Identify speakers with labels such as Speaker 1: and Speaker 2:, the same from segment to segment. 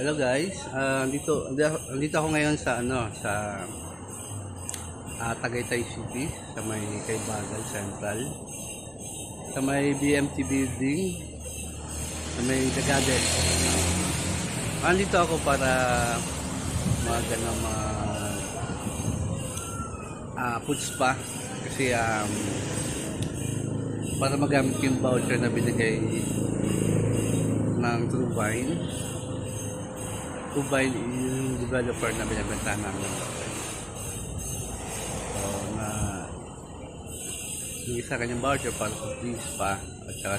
Speaker 1: Hello guys, andito ako ngayon sa Tagaytay City, sa may Kaybagal Central, sa may BMT building, sa may Dagades. Andito ako para food spa kasi para magamit yung voucher na binigay ng True Vine yung developer na binibenta namin. So, yung isa kanyang voucher para sa free spa at saka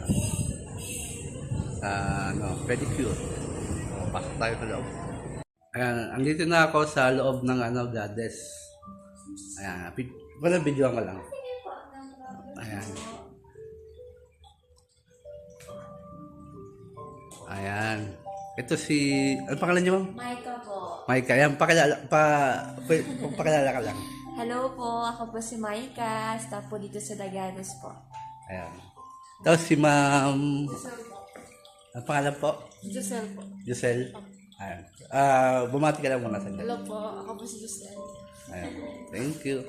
Speaker 1: sa pedicure. So, pasok tayo sa loob. Ayan, andito na ako sa loob ng Gades. Ayan, videoan ko lang. Ayan. Ayan. Ito si... Ano pangalan niyo, ma'am?
Speaker 2: Maika po.
Speaker 1: Maika. Ayan, pakilala ka lang.
Speaker 2: Hello po, ako po si Maika. Staff po dito sa Dagades po.
Speaker 1: Ayan. Tapos si ma'am...
Speaker 2: Giselle po.
Speaker 1: Ang pangalan po?
Speaker 2: Giselle po.
Speaker 1: Giselle. Ayan. Bumati ka lang muna sa
Speaker 2: Hello po, ako po si Giselle.
Speaker 1: Ayan. Thank you.